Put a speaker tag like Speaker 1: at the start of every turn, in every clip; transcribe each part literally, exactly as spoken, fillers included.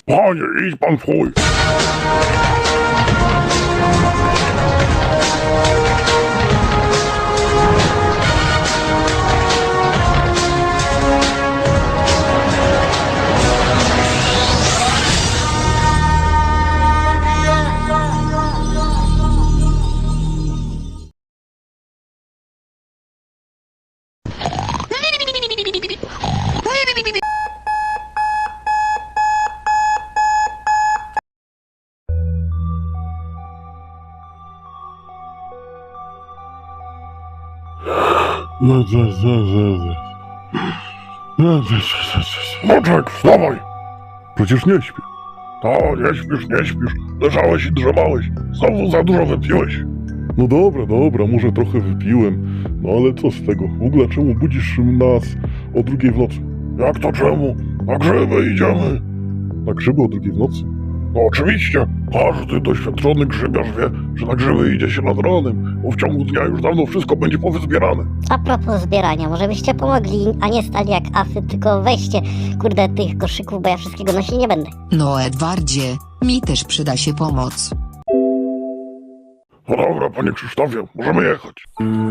Speaker 1: Panie, idź pan w chuj. Moczek, wstawaj! Przecież nie śpię. To, nie śpisz, nie śpisz. Leżałeś i drzemałeś. Znowu za dużo wypiłeś. No dobra, dobra, może trochę wypiłem. No ale co z tego? W ogóle czemu budzisz nas o drugiej w nocy? Jak to czemu? Na grzyby idziemy. Na grzyby o drugiej w nocy? No oczywiście. Każdy doświadczony grzybiarz wie, że na grzyby idzie się nad ranem, bo w ciągu dnia już dawno wszystko będzie powyzbierane.
Speaker 2: A propos zbierania, może byście pomogli, a nie stali jak afy, tylko weźcie, kurde, tych koszyków, bo ja wszystkiego nosić nie będę.
Speaker 3: No Edwardzie, mi też przyda się pomoc.
Speaker 1: No dobra, panie Krzysztofie, możemy jechać.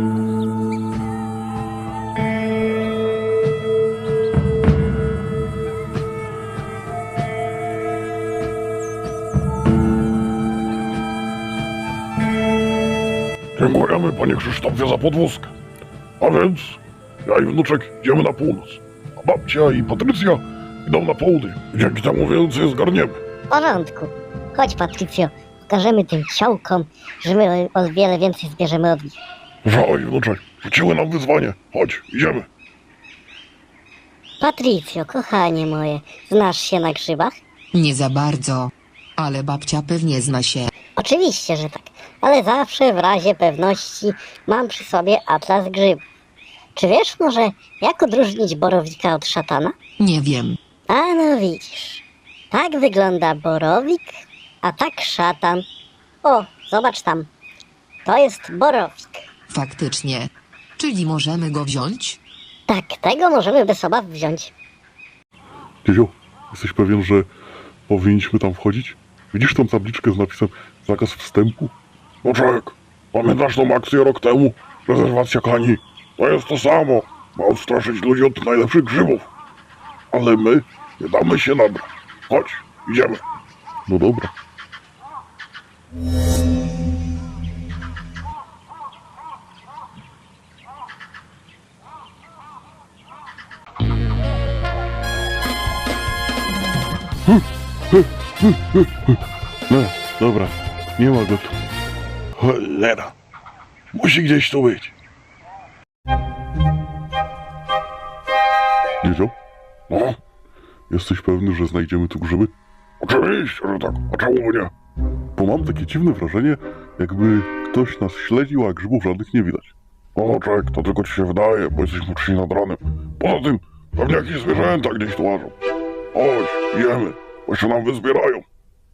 Speaker 1: Dziękujemy, panie Krzysztofie, za podwózkę. A więc ja i wnuczek idziemy na północ, a babcia i Patrycja idą na południe. Dzięki temu więcej zgarniemy.
Speaker 2: W porządku. Chodź, Patrycjo, pokażemy tym ciołkom, że my o wiele więcej zbierzemy od nich.
Speaker 1: Żoj, wnuczek, rzuciły nam wyzwanie. Chodź, idziemy.
Speaker 2: Patrycjo, kochanie moje, znasz się na grzybach?
Speaker 3: Nie za bardzo, ale babcia pewnie zna się.
Speaker 2: Oczywiście, że tak, ale zawsze w razie pewności mam przy sobie atlas grzybów. Czy wiesz może, jak odróżnić borowika od szatana?
Speaker 3: Nie wiem.
Speaker 2: A no widzisz, tak wygląda borowik, a tak szatan. O, zobacz tam, to jest borowik.
Speaker 3: Faktycznie. Czyli możemy go wziąć?
Speaker 2: Tak, tego możemy bez obaw wziąć.
Speaker 1: Dziedzio, jesteś pewien, że powinniśmy tam wchodzić? Widzisz tą tabliczkę z napisem zakaz wstępu? Moczek, pamiętasz tą akcję rok temu? Rezerwacja Kani. To jest to samo. Ma odstraszyć ludzi od najlepszych grzybów. Ale my nie damy się nabrać. Chodź, idziemy. No dobra. No, dobra, nie ma go tu. Cholera, musi gdzieś tu być. Dziedzio? No? Jesteś pewny, że znajdziemy tu grzyby? Oczywiście, że tak, a czemu by nie? Bo mam takie dziwne wrażenie, jakby ktoś nas śledził, a grzybów żadnych nie widać. O, czek, to tylko ci się wydaje, bo jesteśmy uczciwi nad ranem. Poza tym, pewnie jakieś zwierzęta gdzieś tu łażą. Chodź, jemy, bo się nam wyzbierają.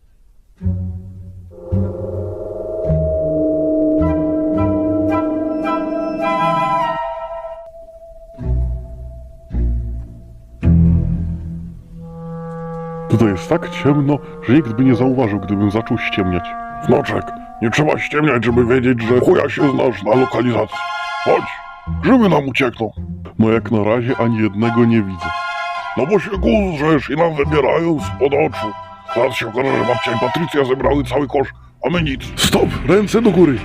Speaker 1: Tutaj jest tak ciemno, że nikt by nie zauważył, gdybym zaczął ściemniać. Wnoczek, nie trzeba ściemniać, żeby wiedzieć, że chuja się znasz na lokalizacji. Chodź, grzyby nam uciekną. No jak na razie ani jednego nie widzę. No bo się guzrzesz i nam wybierają spod oczu. Zaraz się okaże, że babcia i Patrycja zebrały cały kosz, a my nic. Stop! Ręce do góry!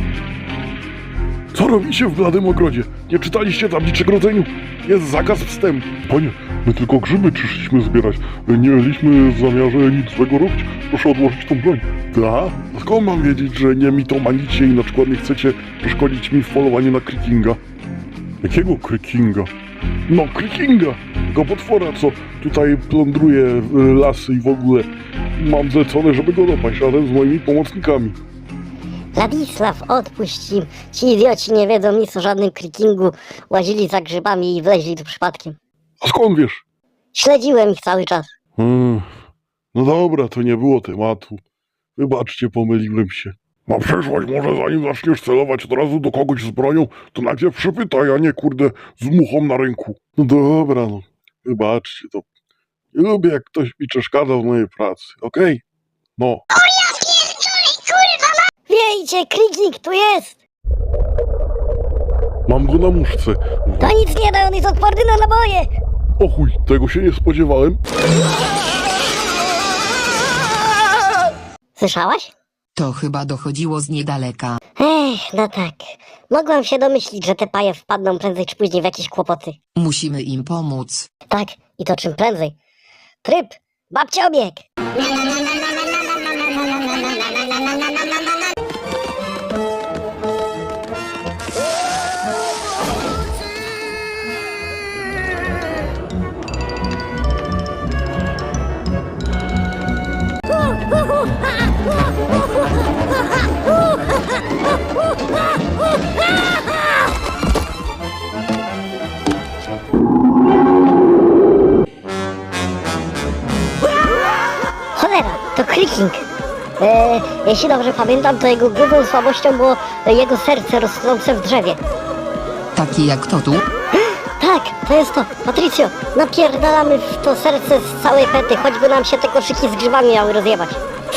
Speaker 1: Co robicie w bladym ogrodzie? Nie czytaliście tabliczek rodzeniu? Jest zakaz wstępu. Panie, my tylko grzyby przyszliśmy zbierać. Nie mieliśmy w zamiarze nic złego robić. Proszę odłożyć tą broń. Ta? Skąd mam wiedzieć, że nie mitomanicie i na przykład nie chcecie przeszkodzić mi w polowaniu na Krykinga? Jakiego Krykinga? No, Krykinga! Tego potwora, co tutaj plądruje y, lasy i w ogóle. Mam zlecone, żeby go dopaść razem z moimi pomocnikami.
Speaker 2: Ladisław, odpuść im. Ci idioci nie wiedzą nic o żadnym krikingu. Łazili za grzybami i wleźli tu przypadkiem.
Speaker 1: A skąd wiesz?
Speaker 2: Śledziłem ich cały czas.
Speaker 1: Hmm. No dobra, to nie było tematu. Wybaczcie, pomyliłem się. Na przyszłość może zanim zaczniesz celować od razu do kogoś z bronią, to najpierw przypytaj, a nie kurde z muchą na ręku. No dobra, no. Wybaczcie, to Nie lubię, jak ktoś mi przeszkadza w mojej pracy, okej? No.
Speaker 2: Wiejcie, Kliknik tu jest!
Speaker 1: Mam go na muszce.
Speaker 2: To nic nie da, on jest odporny na naboje!
Speaker 1: O chuj, tego się nie spodziewałem.
Speaker 2: Słyszałaś?
Speaker 3: To chyba dochodziło z niedaleka.
Speaker 2: Ech, no tak. Mogłam się domyślić, że te paje wpadną prędzej czy później w jakieś kłopoty.
Speaker 3: Musimy im pomóc.
Speaker 2: Tak, i to czym prędzej. Tryb, babcia obieg! Cholera, to Kliknik. E, jeśli dobrze pamiętam, to jego główną słabością było jego serce rosnące w drzewie.
Speaker 3: Taki jak to tu?
Speaker 2: Tak, to jest to. Patricio, napierdalamy w to serce z całej pety, choćby nam się te koszyki z grzybami miały rozjebać.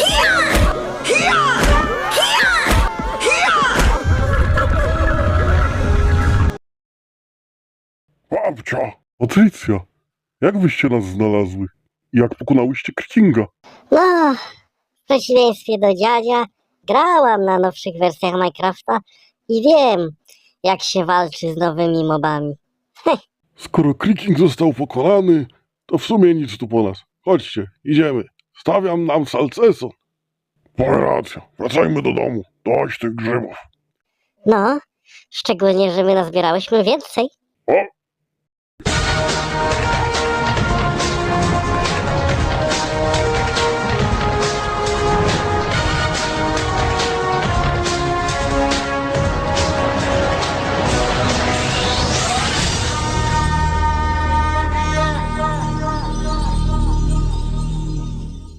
Speaker 1: Babcia! Patrycja! Jak wyście nas znalazły? I jak pokonałyście Krakinga?
Speaker 2: No, w przeciwieństwie do dziadzia, grałam na nowszych wersjach Minecrafta i wiem, jak się walczy z nowymi mobami.
Speaker 1: Skoro Kraking został pokonany, to w sumie nic tu po nas. Chodźcie, idziemy. Stawiam nam salceson. Mamy rację. Wracajmy do domu. Dość tych grzybów.
Speaker 2: No, szczególnie, że my nazbierałyśmy więcej.
Speaker 1: O,